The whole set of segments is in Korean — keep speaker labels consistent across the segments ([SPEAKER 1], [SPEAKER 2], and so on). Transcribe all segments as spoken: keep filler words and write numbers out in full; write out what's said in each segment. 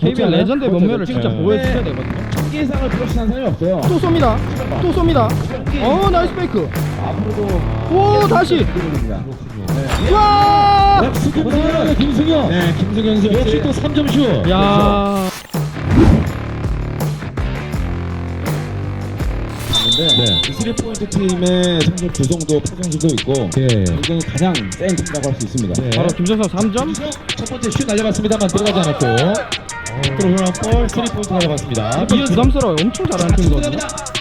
[SPEAKER 1] 케이비엘 레전드의 면면을 진짜
[SPEAKER 2] 네.
[SPEAKER 1] 보여주셔야 되거든요.
[SPEAKER 2] 경기상을 플러시한 사람이 없어요.
[SPEAKER 1] 또 쏩니다. 또 쏩니다. 어 나이스 페이크.
[SPEAKER 2] 앞으로도
[SPEAKER 1] 오 다시.
[SPEAKER 2] 기록입니다.
[SPEAKER 1] 와.
[SPEAKER 2] 역시 김승현, 김승현. 네, 김승현 선수 역시 또 삼 점 슛.
[SPEAKER 1] 야.
[SPEAKER 2] 네. 이 쓰리 포인트 팀의 성적 구성도 파성수도 있고
[SPEAKER 1] 예.
[SPEAKER 2] 굉장히 가장 센 팀이라고 할 수 있습니다. 네.
[SPEAKER 1] 바로 김정석 삼 점.
[SPEAKER 2] 첫 번째 슛 날려봤습니다만 들어가지 않았고 들어오는 볼 쓰리 포인트 날려봤습니다.
[SPEAKER 1] 좀 부담스러워요. 엄청 잘하는 팀이거든요.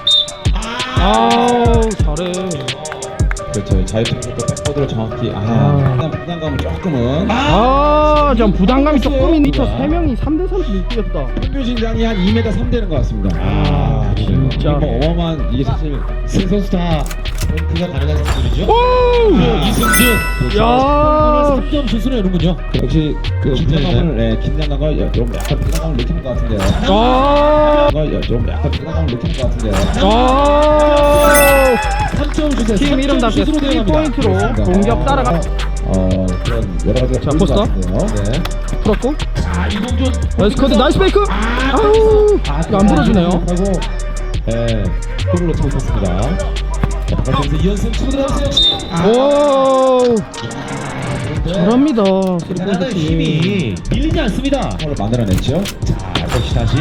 [SPEAKER 1] 아우 잘해.
[SPEAKER 2] 그렇죠. 자유투부터 백보드로 정확히 아, 일단 부담감은 조금은
[SPEAKER 1] 아, 전 부담감이 조금 있는 저 세 명이 삼 대 삼 이겼다.
[SPEAKER 2] 평균 신장이 한 이 미터 삼 되는 것 같습니다.
[SPEAKER 1] 아, 진짜.
[SPEAKER 2] 뭐 어마어마한 이게 사실 세 선수 다 포인트가 가능한 선수들이죠.
[SPEAKER 1] 오!
[SPEAKER 2] 이승준
[SPEAKER 1] 야!
[SPEAKER 2] 삼 점 슛을 내는군요. 역시 그 긴장감을 네, 긴장감과 좀 약간 부담감을 느끼는 것 같은데요.
[SPEAKER 1] 아!
[SPEAKER 2] 좀 약간 부담감을 느끼는 것 같은데요.
[SPEAKER 1] 아!
[SPEAKER 2] 삼 점 슛에
[SPEAKER 1] 팀 이름답게 삼 포인트로 공격 따라가.
[SPEAKER 2] 어 그런 여러 가지가
[SPEAKER 1] 자,
[SPEAKER 2] 보이는
[SPEAKER 1] 포스터.
[SPEAKER 2] 것 같은데요. 네.
[SPEAKER 1] 풀었고.
[SPEAKER 2] 아 이동준
[SPEAKER 1] 나이스 커트, 나이스 페이크. 아우! 이거 안 풀어주네요.
[SPEAKER 2] 하고 예 골을 넣지 못했습니다. 자, 바깥에서 이현승 치고 들어가세요.
[SPEAKER 1] 오! 잘합니다. 쓰리 포인트
[SPEAKER 2] 대단한
[SPEAKER 1] 팀.
[SPEAKER 2] 힘이 밀리지 않습니다. 골을 만들어냈죠. 자 역시 다시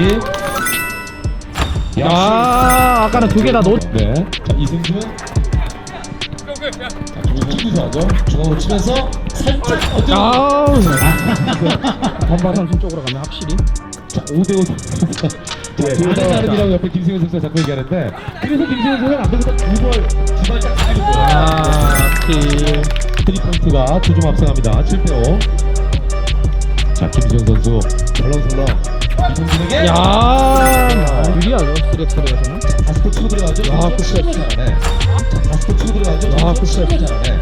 [SPEAKER 1] 아, 아까는 두 개 다 놓.
[SPEAKER 2] 네. 자 이승준. 자 김구수하죠. 중앙으로 치면서 살짝 어떤
[SPEAKER 1] 아우! 반반 선수 쪽으로 가면 확실히.
[SPEAKER 2] 자, 오 대 오. 네, 다른 나름이라고 옆에 김승현 선수가 자꾸 얘기하는데 그래서 김승현 선수는 안 되면서 두벌 두발 딱 때리는 거예요.
[SPEAKER 1] 아, 킬.
[SPEAKER 2] 쓰리 포인트가 두 점 앞서갑니다. 칠 대 오. 자, 김승현 선수 설렁설렁 이승준에게
[SPEAKER 1] 야, 유리하죠. 쓰리엑스에서는.
[SPEAKER 2] 다시 또 치고 들어가죠.
[SPEAKER 1] 야,
[SPEAKER 2] 아,
[SPEAKER 1] 그
[SPEAKER 2] 치고 잘하네. 자, 다시 또 치고 들어가죠.
[SPEAKER 1] 야, 그
[SPEAKER 2] 치고 잘하네.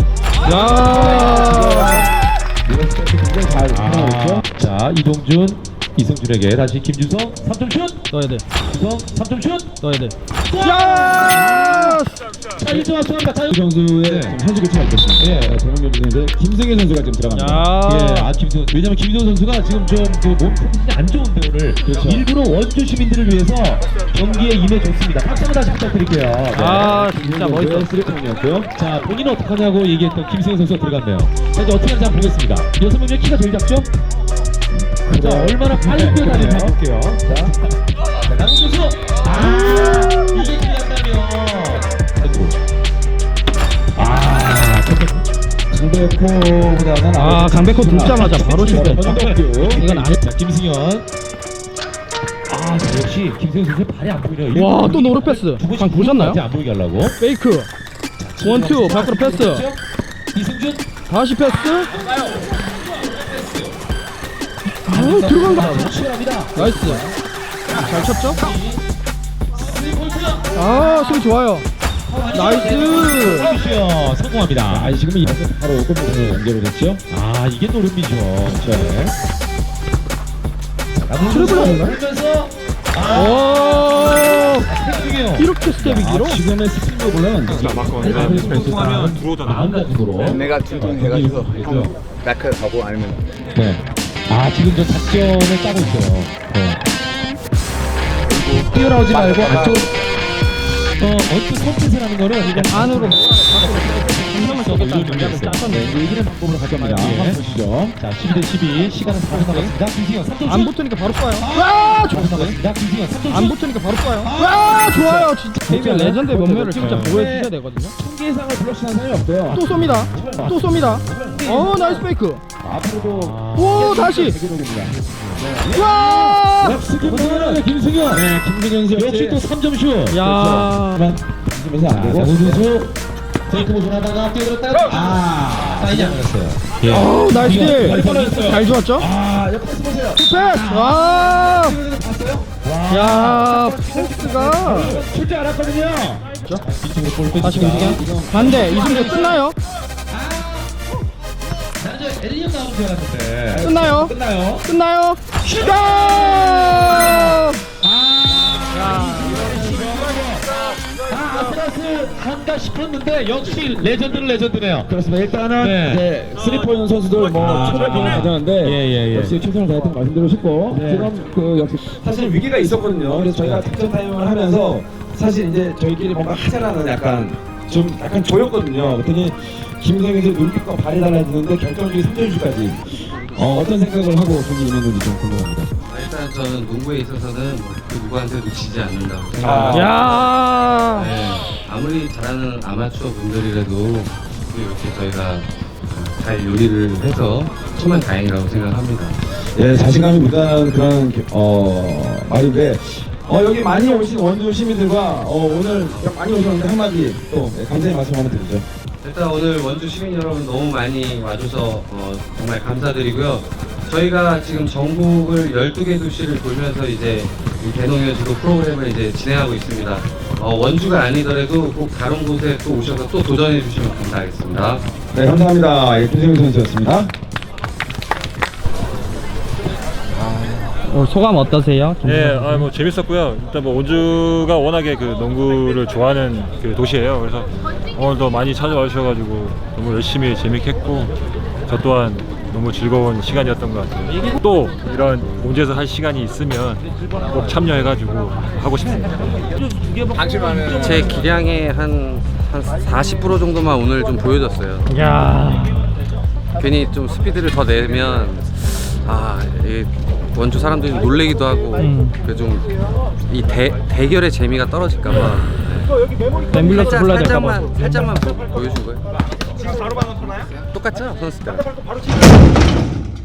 [SPEAKER 1] 야.
[SPEAKER 2] 이런 스텝이 굉장히 잘 하고 있죠. 자, 이동준 이승준에게 다시 김주성 삼 점 슛.
[SPEAKER 1] 넣어야 돼.
[SPEAKER 2] 주성 삼 점 슛.
[SPEAKER 1] 넣어야 돼. 야!
[SPEAKER 2] 자, 일 점 앞서갑니다. 자, 이 선수의 좀 현지 교체가 있겠습니다. 예, 대명경 중인데 김승현 선수가 지금 들어갑니다.
[SPEAKER 1] 야.
[SPEAKER 2] 예, 아 김승현. 왜냐면 김승현 선수가 지금 좀그몸 컨디션이 안 좋은데 오늘
[SPEAKER 1] 그렇죠.
[SPEAKER 2] 일부러 원주 시민들을 위해서 경기에 임해줬습니다. 박수 한번 다시 부탁드릴게요. 네.
[SPEAKER 1] 아, 진짜 멋있어.
[SPEAKER 2] 쓰리통이었고요. 자, 본인은 어떻게 하냐고 얘기했던 김승현 선수가 들어갔네요. 자, 이제 어떻게 하는지 한번 보겠습니다. 여섯 명 중에 키가 제일 작죠? 자, 얼마나 빨리 뛰어다니는지 볼게요. 자, 자, 남은 선수. 아, 이게 기회한다면. 아, 강백호보다는
[SPEAKER 1] 아, 강백호 듣자마자 바로 실패했죠. 이건 아니.
[SPEAKER 2] 자, 김승현. 아, 자, 역시 김승현 선수 발이 안 보이네요.
[SPEAKER 1] 와, 또 노루 패스.
[SPEAKER 2] 두 번씩
[SPEAKER 1] 방 보셨나요?
[SPEAKER 2] 안 보이게 하려고.
[SPEAKER 1] 페이크. 원투 밖으로 패스.
[SPEAKER 2] 이승준.
[SPEAKER 1] 다시 패스. 아우, 들어간 거.
[SPEAKER 2] 치열합니다.
[SPEAKER 1] 나이스. 잘 쳤죠? 아, 수비 좋아요. 나이스.
[SPEAKER 2] 미션 성공합니다. 아, 지금 이 바로 골문으로 연결을 했죠? 아, 이게 노름이죠. 네.
[SPEAKER 1] 트리플 아닌가요?
[SPEAKER 2] 하면서
[SPEAKER 1] 오!
[SPEAKER 2] 중요해요.
[SPEAKER 1] 이렇게 스텝이 길어?
[SPEAKER 2] 지금의 스피드볼은
[SPEAKER 3] 성공하면 들어오잖아.
[SPEAKER 2] 마음가짐으로
[SPEAKER 4] 내가 둥둥 해가지고 형 마크 가고 아니면
[SPEAKER 2] 네. 아, 지금 저 작전을 짜고 있어요. 네. 뛰어나오지 말고 안쪽으로 어, 어떤 선택을 하는 거는 이게
[SPEAKER 1] 안으로
[SPEAKER 2] 한명을 더 올리는 게
[SPEAKER 1] 짰었네.
[SPEAKER 2] 이제 이기는 방법으로 가져갑니다. 한번 보시죠. 자, 십이 대 십이. 시간은 사 분 남았습니다. 김승현 삼 점
[SPEAKER 1] 안 붙으니까 바로 쏴요. 와,
[SPEAKER 2] 사 분 남았습니다. 김승현 삼 점
[SPEAKER 1] 안 붙으니까 바로 쏴요. 와, 좋아요. 진짜 케이비엘 레전드의 면면을 진짜
[SPEAKER 2] 네.
[SPEAKER 1] 보여주셔야 되거든요.
[SPEAKER 2] 총기상을 블록시한 사람이 없어요.
[SPEAKER 1] 또 쏩니다. 또 쏩니다. 어, 나이스 페이크.
[SPEAKER 2] 앞으로도
[SPEAKER 1] 오, 다시.
[SPEAKER 2] 대기록입니다.
[SPEAKER 1] 와!
[SPEAKER 2] 역시 김승현, 김승현. 네, 김승현 선수 역시 또 삼 점 슛.
[SPEAKER 1] 야.
[SPEAKER 2] 던지면서 안 되고. 오준수 테이크 모션 하다가 뛰어들었다가 아, 사이즈 안 걸렸어요. 예.
[SPEAKER 1] 어우, 나이스 딜.
[SPEAKER 2] 뻔했어요.
[SPEAKER 1] 잘 좋았죠?
[SPEAKER 2] 아, 옆에 보세요.
[SPEAKER 1] 패스. 와!
[SPEAKER 2] 봤어요?
[SPEAKER 1] 야, 패스가.
[SPEAKER 2] 출제 알았거든요. 뒤쪽으로 볼 빼주자.
[SPEAKER 1] 다시 움직여. 반대. 이승재 끝나요?
[SPEAKER 2] 나는 저 에리언 나오는 줄 알았는데.
[SPEAKER 1] 끝나요?
[SPEAKER 2] 끝나요?
[SPEAKER 1] 끝나요? 슛!
[SPEAKER 2] 아, 아슬아슬 한 가지. 싶었는데 역시 레전드는 레전드네요.
[SPEAKER 5] 그렇습니다. 일단은
[SPEAKER 2] 네.
[SPEAKER 5] 이제 쓰리포인 선수들 뭐
[SPEAKER 2] 아,
[SPEAKER 5] 초반 기회를 가졌는데
[SPEAKER 2] 예, 예, 예.
[SPEAKER 5] 역시 최선을 다했던 거 말씀드리고 싶고
[SPEAKER 2] 네.
[SPEAKER 5] 그럼 그 역시 사실 위기가 있었거든요. 그래서 저희가 작전 타임을 하면서 사실 이제 저희끼리 뭔가 하자라는 약간 좀 약간 조였거든요. 그랬더니 김성현 선수 눈빛과 발이 달라지는데 결정적인 삼 점 슛까지 어, 어떤 생각을 하고 경기 임했는지 좀 궁금합니다.
[SPEAKER 6] 아, 일단 저는 농구에 있어서는 뭐그 누구한테도 지지 않는다고
[SPEAKER 5] 아.
[SPEAKER 6] 생각합니다.
[SPEAKER 1] 야.
[SPEAKER 6] 네, 아무리 잘하는 아마추어 분들이라도 이렇게 저희가 어, 잘 요리를 해서 정말 다행이라고 생각합니다.
[SPEAKER 5] 예, 자신감이 묻어나는 그런 어, 말인데 어, 여기 많이 오신 원주 시민들과 어, 오늘 많이 오셨는데 한마디 또 예, 감사의 말씀 한번 드리죠.
[SPEAKER 6] 일단 오늘 원주 시민 여러분 너무 많이 와줘서 어, 정말 감사드리고요. 저희가 지금 전국을 열두 개 도시를 돌면서 이제 이 대농여지도 프로그램을 이제 진행하고 있습니다. 어, 원주가 아니더라도 꼭 다른 곳에 또 오셔서 또 도전해 주시면 감사하겠습니다.
[SPEAKER 5] 네, 감사합니다. 예, 김성현 선수였습니다.
[SPEAKER 1] 어, 소감 어떠세요?
[SPEAKER 3] 예, 아, 뭐 재밌었고요. 일단 뭐 원주가 워낙에 그 농구를 좋아하는 그 도시예요. 그래서 오늘도 많이 찾아와 주셔가지고 너무 열심히 재밌게 했고 저 또한 너무 즐거운 시간이었던 것 같아요. 또 이런 원주에서 할 시간이 있으면 꼭 참여해가지고 하고 싶습니다.
[SPEAKER 6] 제 기량의 한, 한 사십 퍼센트 정도만 오늘 좀 보여줬어요.
[SPEAKER 1] 야.
[SPEAKER 6] 괜히 좀 스피드를 더 내면 아, 이 원주 사람들이 놀래기도 하고
[SPEAKER 1] 음.
[SPEAKER 6] 그 좀 이 대결의 재미가 떨어질까봐
[SPEAKER 1] 앰뷸런스 불러야 될까 봐.
[SPEAKER 6] 살짝만 살짝만 보, 보여준 거예요. 지금 바로 방금 터나요? 똑같죠 선수 때랑.